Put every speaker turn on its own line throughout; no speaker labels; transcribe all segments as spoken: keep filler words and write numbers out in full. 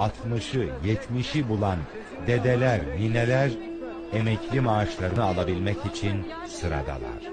altmışı, yetmişi bulan dedeler, nineler emekli maaşlarını alabilmek için sıradalar.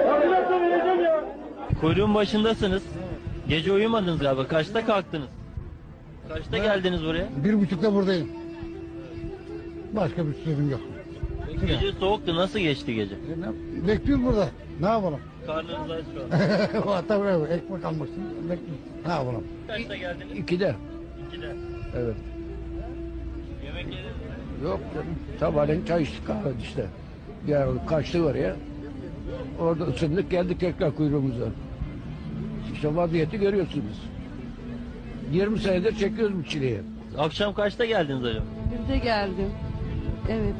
Kuyruğun başındasınız. Gece uyumadınız galiba. Kaçta kalktınız? Kaçta geldiniz buraya?
Bir buçukta buradayım. Başka bir sözüm yok.
Gece soğuktu. Nasıl geçti gece?
Bekliyoruz burada. Ne yapalım?
Karnınız aç şu an.
Hatta buraya ekmek almışsın. Bekliyoruz. Ne yapalım?
Kaçta geldiniz?
İkide.
İkide.
Evet.
Yemek yediniz mi?
Yok canım. Sabahleyin çay içtik kahve işte. Ya kaçtı oraya. Orada ısındık geldik tekrar kuyruğumuza. İşte vaziyeti görüyorsunuz. yirmi senedir çekiyoruz bu çileyi.
Akşam kaçta geldiniz acaba?
Birde geldim. Evet.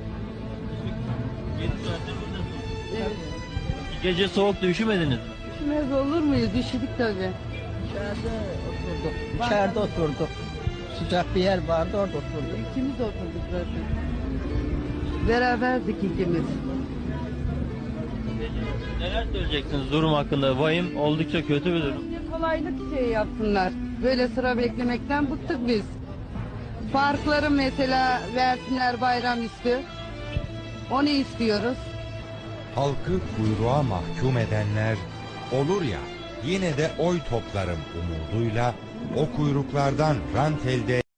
yedi saattir buradasınız.
Evet.
Gece soğuktu. Üşümediniz mi?
Üşümez olur muyuz? Üşüdük tabii.
İçeride oturduk. İçeride oturduk. Sıcak bir yer vardı orada oturduk.
İkimiz oturduk zaten. Beraberdik ikimiz.
Neler söyleyeceksiniz durum hakkında? Vahim oldukça kötü bir durum.
Bir kolaylık şey yapsınlar. Böyle sıra beklemekten bıktık biz. Parkları mesela versinler bayramüstü. Onu istiyoruz.
Halkı kuyruğa mahkum edenler olur ya, yine de oy toplarım umuduyla o kuyruklardan rant elde